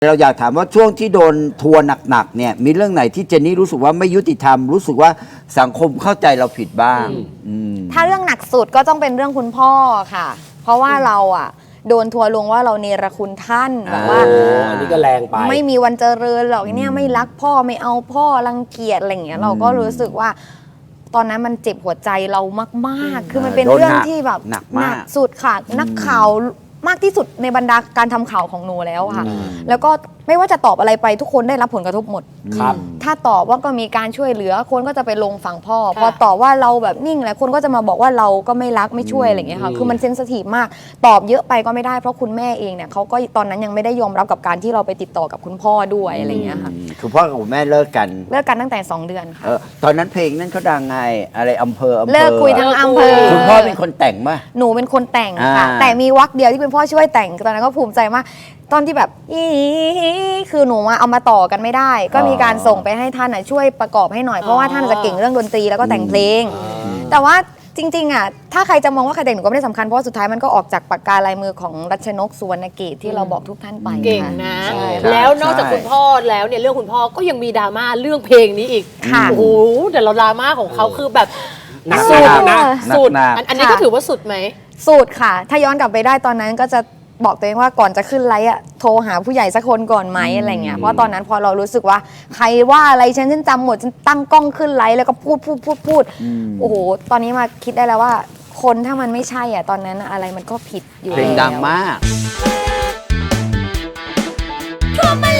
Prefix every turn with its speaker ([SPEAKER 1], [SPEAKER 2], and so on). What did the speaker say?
[SPEAKER 1] เราอยากถามว่าช่วงที่โดนทัวร์หนักๆเนี่ยมีเรื่องไหนที่เจนนี่รู้สึกว่าไม่ยุติธรรมรู้สึกว่าสังคมเข้าใจเราผิดบ้าง
[SPEAKER 2] ถ้าเรื่องหนักสุดก็ต้องเป็นเรื่องคุณพ่อค่ะ เพราะว่าเราอ่ะโดนทัวร์ลงว่าเราเนรคุณท่านแบบว่า
[SPEAKER 3] อันนี้ก็แรงไป
[SPEAKER 2] ไม่มีวันเจริญหรอกเนี่ยไม่รักพ่อไม่เอาพ่อรังเกียจอะไรอย่างเงี้ยเราก็รู้สึกว่า ตอนนั้นมันเจ็บหัวใจเรามากๆ คือมันเป็นเรื่องที่แบบ
[SPEAKER 1] หนักมาก
[SPEAKER 2] สุดค่ะนักข่าวมากที่สุดในบรรดาการทำข่าวของหนูแล้วค่ะ แล้วก็ไม่ว่าจะตอบอะไรไปทุกคนได้รับผลกระทบหมด
[SPEAKER 3] ครับ
[SPEAKER 2] ถ้าตอบว่าก็มีการช่วยเหลือคนก็จะไปลงฝั่งพ่อ พอตอบว่าเราแบบนิ่งแล้วคนก็จะมาบอกว่าเราก็ไม่รักไม่ช่วยอะไรอย่างเงี้ยค่ะคือมันเซนซิทีฟมากตอบเยอะไปก็ไม่ได้เพราะคุณแม่เองเนี่ยเขาก็ตอนนั้นยังไม่ได้ยอมรับกับการที่เราไปติดต่อกับคุณพ่อด้วยอะไรอย่างเงี้ยค่ะ
[SPEAKER 1] คือพ่อกับแม่เลิกกัน
[SPEAKER 2] เลิกกันตั้งแต่2 เดือนค่ะ
[SPEAKER 1] ตอนนั้นเพลงนั้นเขาดังไงอะไรอำเภอ
[SPEAKER 2] เลิกคุยทั้งอำเภอ
[SPEAKER 1] คุณพ่อเป็นคนแต่งป่ะ
[SPEAKER 2] หนูเป็นคนแต่งค่ะ
[SPEAKER 1] อ่า
[SPEAKER 2] แต่มีวรรคเดียวที่เป็นพ่อช่วยแต่งตอนนั้นก็ภูมิใจมากตอนที่แบบอีคือหนูเอามาต่อกันไม่ได้ ก็มีการส่งไปให้ท่านช่วยประกอบให้หน่อยเพราะว่าท่านจะเก่งเรื่องดนตรีแล้วก็แต่งเพลง แต่ว่าจริงๆอ่ะถ้าใครจะมองว่าใครแต่งหนูก็ไม่ได้สำคัญเพราะว่าสุดท้ายมันก็ออกจากปากกาลายมือของรัชนกสุวรรณเกตที่เราบอกทุกท่านไป
[SPEAKER 4] เก่งนะ
[SPEAKER 2] ใช่
[SPEAKER 4] แล้วนอกจากคุณพ่อแล้วเนี่ยเรื่องคุณพ่อก็ยังมีดราม่าเรื่องเพลงนี้อีก
[SPEAKER 2] ค่ะ
[SPEAKER 4] โอ้โหแต่เราดราม่าของเขาคือแบบ
[SPEAKER 3] หนัก
[SPEAKER 4] สุด
[SPEAKER 3] นะ
[SPEAKER 4] สุด
[SPEAKER 1] หนัก
[SPEAKER 4] อันนี้ก็ถือว่าสุดไหม
[SPEAKER 2] สูตรค่ะ ถ้าย้อนกลับไปได้ตอนนั้นก็จะบอกตัวเองว่าก่อนจะขึ้นไลฟ์อ่ะโทรหาผู้ใหญ่สักคนก่อนไหมอะไรเงี้ยเพราะตอนนั้นพอเรารู้สึกว่าใครว่าอะไรฉันจำหมดฉันตั้งกล้องขึ้นไลฟ์แล้วก็พูดโอ้โหตอนนี้มาคิดได้แล้วว่า คนถ้ามันไม่ใช่อ่ะตอนนั้นอะไรมันก็ผิดอยู่
[SPEAKER 1] เพลง
[SPEAKER 2] แล้ว
[SPEAKER 1] ดังมาก
[SPEAKER 5] ทั่วมา